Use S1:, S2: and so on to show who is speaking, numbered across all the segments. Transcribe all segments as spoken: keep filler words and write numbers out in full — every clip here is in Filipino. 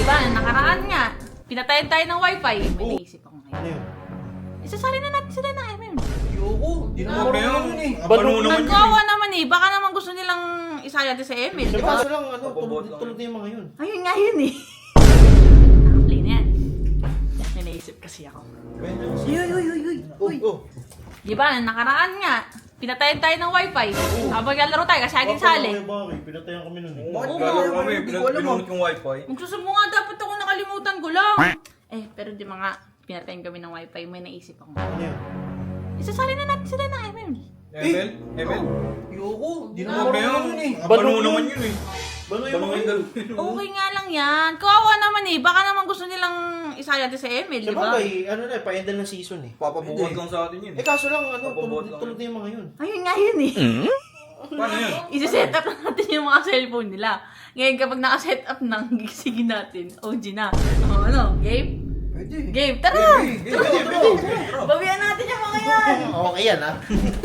S1: ba? Nakaraan nga. Pinatayan tayo ng wifi. May
S2: Oh.
S1: naisip ako ngayon.
S2: Ano yun?
S1: Isasali na natin sila ng M M.
S3: Ayoko. Di naman
S2: Ano
S3: marunong
S2: yun?
S3: eh.
S2: Bano
S3: Bano naman yun
S1: Nagkawa naman eh. Baka naman gusto nilang isali natin sa M L.
S2: Di
S1: Di
S2: ba?
S1: ba?
S2: Kaso lang, ano,
S3: Mababot
S2: tulog,
S3: lang.
S2: tulog na yung mga yun.
S1: Ayun nga yun eh. Nakaplay na yan. May naisip kasi ako. Uy, uy, uy, uy, uy.
S2: Oh, oh.
S1: Di ba? Nakaraan nga. Pinatayan tayo ng wifi. Habang naglalaro tayo kasi ating sali.
S2: Bakit bakit? Pinatayan kami nun eh.
S3: Bakit
S1: Oo.
S3: gano'n kami?
S2: Hindi ko alam,
S3: Pinunot yung wifi.
S1: Magsusubo nga dapat ako, nakalimutan ko lang. Eh, pero di mga pinatayan kami ng wifi, may naisip ako.
S2: Ano yun?
S1: Isasali na natin sila ng M M.
S3: M L? M L? Ayoko. Di naman
S2: Bano
S3: marunong
S2: yun
S3: eh.
S2: eh.
S3: Bano
S2: Bano
S3: naman
S2: yun.
S3: yun eh.
S2: Bano yung
S3: Bano
S2: mga
S3: yung
S2: yun?
S3: dalawa.
S1: Okay nga lang yan. Kawawa naman eh. Baka naman gusto nilang isali natin sa M L, di
S2: Sa
S1: ba?
S2: bagay, ano na, pa-endal ng season eh.
S3: Papabuhat lang sa atin yun
S2: Eh
S3: eh.
S2: kaso lang, ano,
S3: Papabuhat
S2: tulog,
S3: lang.
S2: tulog na yung mga yun.
S1: Ayun nga yun eh.
S3: Paano yun?
S1: Isi-set up natin yung mga cellphone nila. Ngayon kapag naka-set up na, gigisingin natin. O G na. O ano, game?
S3: Pwede.
S1: Game, tara!
S3: Pwede, pwede, pwede.
S1: Bawian natin yung mga yan!
S2: Okay yan ah.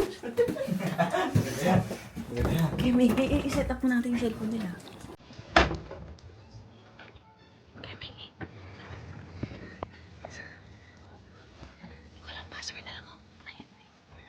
S1: Okay, may i- i-set up mo natin yung cellphone nila. Okay, may walang password na lang ako. Ayan, may.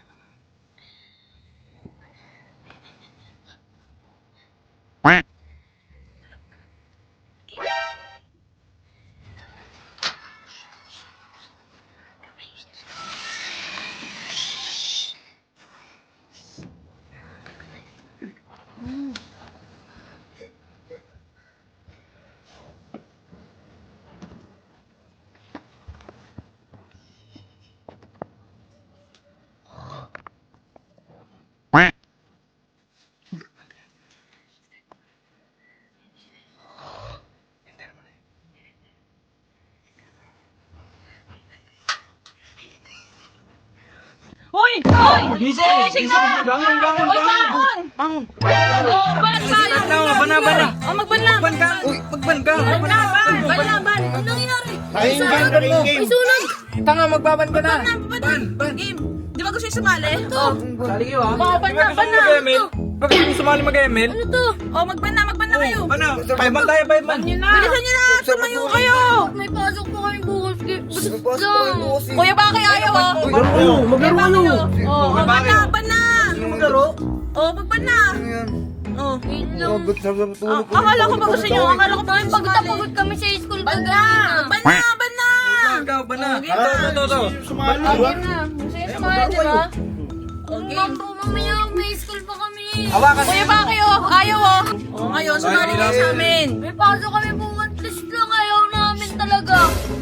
S1: Hoy! Hoy! Gising! Gising na!
S3: Bangon, bangon,
S1: Hoy, bangon!
S3: Bangon.
S1: Oh, ban, ban!
S3: Bana, bana.
S1: Oh, magban na!
S3: Magban ka. Uy, magban ka.
S1: Ban na, ban! Ban na, ban! Ano nangyari?
S2: Ayun game, ayun game.
S1: May sunog!
S3: Tanga, magbaban ka na.
S1: Ban na, ban na! Game! Di ba gusto yung sumali? Oh,
S3: Sali kayo ha.
S1: oh, ban na, ban na!
S3: Mag-M L? Bakit hindi sumali mag-M L?
S1: Ano to? Oh, magban na, magban na kayo!
S3: Ano? Five man tayo, five man.
S1: Bilisan nyo na! Tumayo kayo!
S4: May pasok po kami bukas.
S1: Kuya, baka kayo ayaw oh?
S2: Maglaro,
S1: Maglaro ano? Oh,
S3: Kuya,
S1: ban na,
S3: bakit?
S1: ban na!
S3: Maglaro?
S1: Oh, magban na! Oh.
S4: Hello.
S1: Ah, akala ko ba gusto nyo? Akala ko ba gusto
S4: Pagod na
S1: sumali?
S4: pagod kami sa school
S1: Ban na!
S4: kagabi.
S1: Ban na! Ban na!
S3: Ikaw, ba na?
S1: Okay.
S3: Ito, ito, ito, ito.
S2: Sumali ba?
S4: Masaya sumaya, di ba?
S1: Okay.
S4: Ma'am po, mamaya may school pa kami.
S3: Hawakan.
S1: Kuya, baka kayo? Ayaw oh! Oh, ngayon, sumali kayo sa amin.
S4: May pasok kami bukas. Please lang, ayaw namin talaga.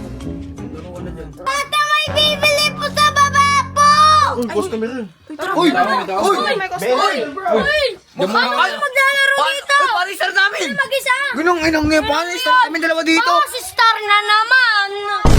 S4: Ate, may bibili po sa baba po!
S2: Uy, customer rin.
S3: Uy!
S2: Uy! Uy!
S4: Uy! Mukha kayo maglalaro dito!
S3: Uy, parisar namin!
S4: Mag-isa!
S3: Ginong, inong nga, paano? Kami dalawa dito.
S4: Oh, si Star na naman!